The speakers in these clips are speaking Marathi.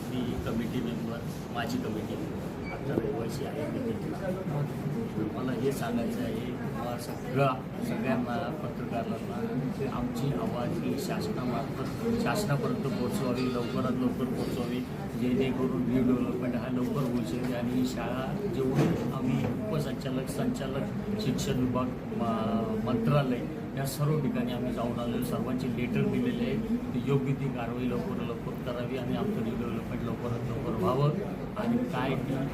मी कमिटी मेंबर, माझी कमिटी आता रहिवासी आहे मीटिंगला. मला हे सांगायचं आहे सगळ्यांना पत्रकारांना की आमची आवाज ही शासनापर्यंत पोहोचवावी, लवकरात लवकर पोहोचवावी, जेणेकरून न्यू डेव्हलपमेंट हा लवकर होऊ शकेल. आणि ही शाळा जेवढे आम्ही उपसंचालक, संचालक, शिक्षण विभाग, मंत्रालय या सर्व ठिकाणी आम्ही जाऊन आलेलो, सर्वांचे लेटर दिलेले आहे. योग्य ती कारवाई लवकरात लवकर करावी आणि आमचं न्यू डेव्हलपमेंट लवकरात लवकर व्हावं. आणि काय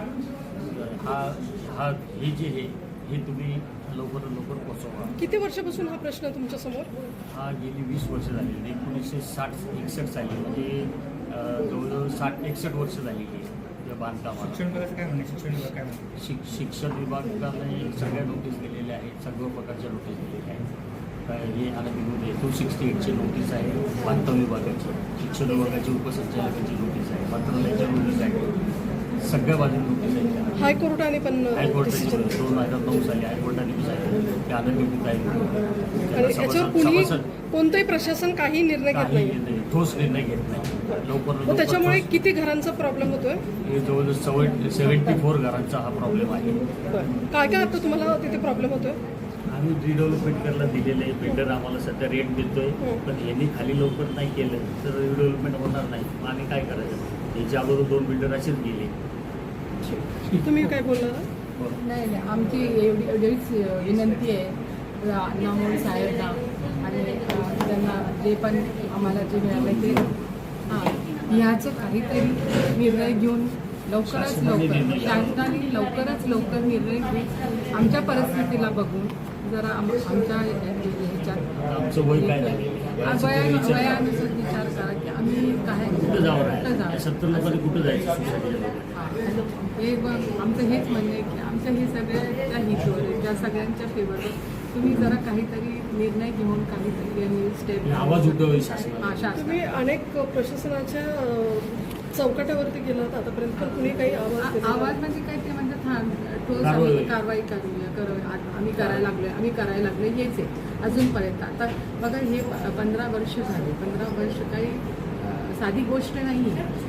हे जे हे तुम्ही लवकरात लवकर पोचवा. किती वर्षापासून हा प्रश्न तुमच्या समोर? हा गेली 20 वर्ष झालेली, 1960-61 साली, म्हणजे जवळजवळ 60-61 वर्ष झालेली आहे या बांधकामाला. शिक्षण विभागाचं काय म्हणणे? शिक्षण विभाग काय म्हणते? शिक्षण विभागाने सगळ्या नोटीस दिलेल्या आहेत, सर्व प्रकारच्या नोटीस दिलेल्या आहेत. हे अनधिकृत आहे. 268ची नोटीस आहे बांधकाम विभागाची, शिक्षण विभागाची उपसंचालकाची नोटीस आहे, मंत्रालयाची नोटीस आहे, सगळ्या बाजूने नोटीस आहे. हायकोर्टाने पण हायकोर्टाची 2009 साली हायकोर्टाने सांगितलं की अनधिकृत आणि याच्यावर कुणी आहे. कोणतंही प्रशासन काही निर्णय घेत काही नाही, ठोस निर्णय घेत नाही. मग त्याच्यामुळे किती घरांचा प्रॉब्लेम होतोय? हे जवळजवळ 74 घरांचा हा प्रॉब्लेम आहे. काय काय आता तुम्हाला तिथे प्रॉब्लेम होतोय? आम्ही रिडेव्हलपमेंट करायला दिलेलं आहे. बिल्डर आम्हाला सध्या रेट देतोय, पण यांनी खाली लवकर नाही केलं तर रिडेव्हलपमेंट होणार नाही. मग आम्ही काय करायचं? याच्या अगोदर 2 बिल्डर असेच गेले. तुम्ही काय बोलणार? नाही नाही, आमची एवढीच विनंती आहे अण्णामोल साहेबांना आणि त्यांना जे पण आम्हाला जे मिळालं ते ह्याचं काहीतरी निर्णय घेऊन लवकरात लवकर शासनाने लवकरात लवकर निर्णय घेऊन आमच्या परिस्थितीला बघून जरा आमच्या ह्याच्यात आमचं वय काय झालं, वयानुसार विचार करा की आम्ही काय कुठं जावं? 70 लोकांनी कुठं जायचं? हे आमचं हेच म्हणणं आहे की आमच्या हे सगळ्याच्या हितवर आहे, त्या सगळ्यांच्या फेवरवर तुम्ही जरा काहीतरी निर्णय घेऊन काहीतरी यांनी स्टेप आवाज उठवावी शासनाला. तुम्ही अनेक प्रशासनाच्या चौकटावरती गेलात आतापर्यंत, पण कुणी काही आवाज म्हणजे काय ते म्हणतात ठोस कारवाई करूया आम्ही करायला लागलोय हेच आहे अजूनपर्यंत. आता बघा हे 15 वर्ष झाले, 15 वर्ष काही साधी गोष्ट नाही आहे.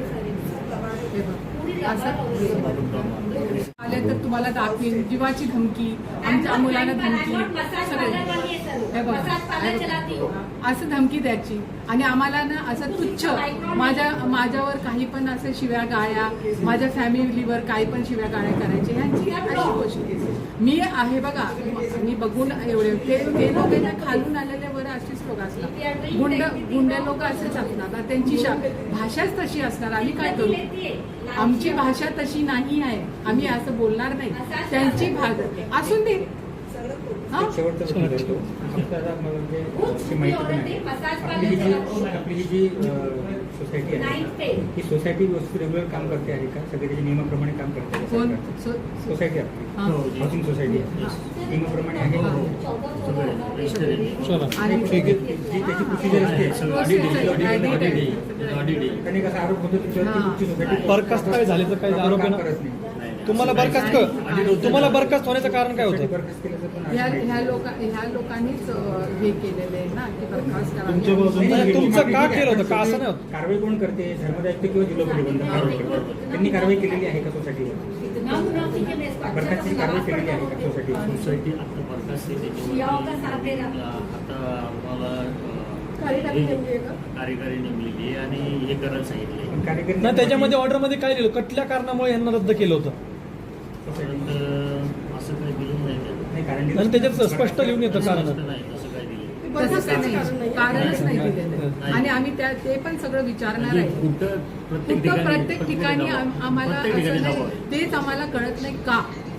हे बघ असं आले तर तुम्हाला दाखवीन, जीवाची धमकी, आमच्या मुलाला धमकी, सगळे हे बघा असं धमकी द्यायची आणि आम्हाला ना असं तुच्छ माझ्यावर काही पण असं शिव्या गाळ्या, माझ्या फॅमिलीवर काही पण शिव्या गाळ्या करायचे, ह्यांची अशी गोष्ट मी आहे. बघा मी बघून एवढे ते लोक ना खालून आलेले वर अशीच लोक असतात, गुंड लोक असेच असणार, त्यांची भाषाच तशी असणार. आम्ही काय करू? आमची भाषा तशी नाही आहे, आम्ही असं बोलणार नाही. त्यांची भाषा असून दे. शेवटचा प्रश्न करतो. आपल्याला म्हणजे अशी माहिती पण आहे आपली ही जी सोसायटी आहे, ही सोसायटी व्यवस्थित रेग्युलर काम करते आहे का? सगळे त्याच्या नियमाप्रमाणे काम करते आहे? सोसायटी आपली हाऊसिंग सोसायटी आहे, नियमाप्रमाणे आहे का? जी त्याची प्रोसिजर असते त्याने कसा आरोप होतो तुमची सोसायटी बरखास्त काय झाले तर काही आरोप करत नाही. तुम्हाला बरखास्त होण्याचं कारण काय होतं? बरखास्त केल्याचं पण ह्या लोकांनीच हे केलेलं आहे ना की बरखास्त तुमचं का केलं होतं? का असं नाही होतं? कारवाई कोण करते? धर्मदायित्व किंवा जिल्हा प्रतिबंधक त्यांनी कारवाई केलेली आहे का सोसायटीवर? बरखास्तीची कारवाई केलेली आहे का सोसायटी आता बरखास्त आता आम्हाला कार्यकारी नेमलेली आहे आणि हे करायला सांगितले. नाही, त्याच्यामध्ये ऑर्डरमध्ये काय लिहिलं? कुठल्या कारणामुळे यांना रद्द केलं होतं? असं काही दिलं नाही. आणि त्याच्यात स्पष्ट लिहून येतं कारण. नाही तसं काय दिलं. कारणच नाही दिलेलं आणि आम्ही ते पण सगळं विचारणार आहे. कुठं प्रत्येक ठिकाणी आम्हाला असं नाही, तेच आम्हाला कळत नाही का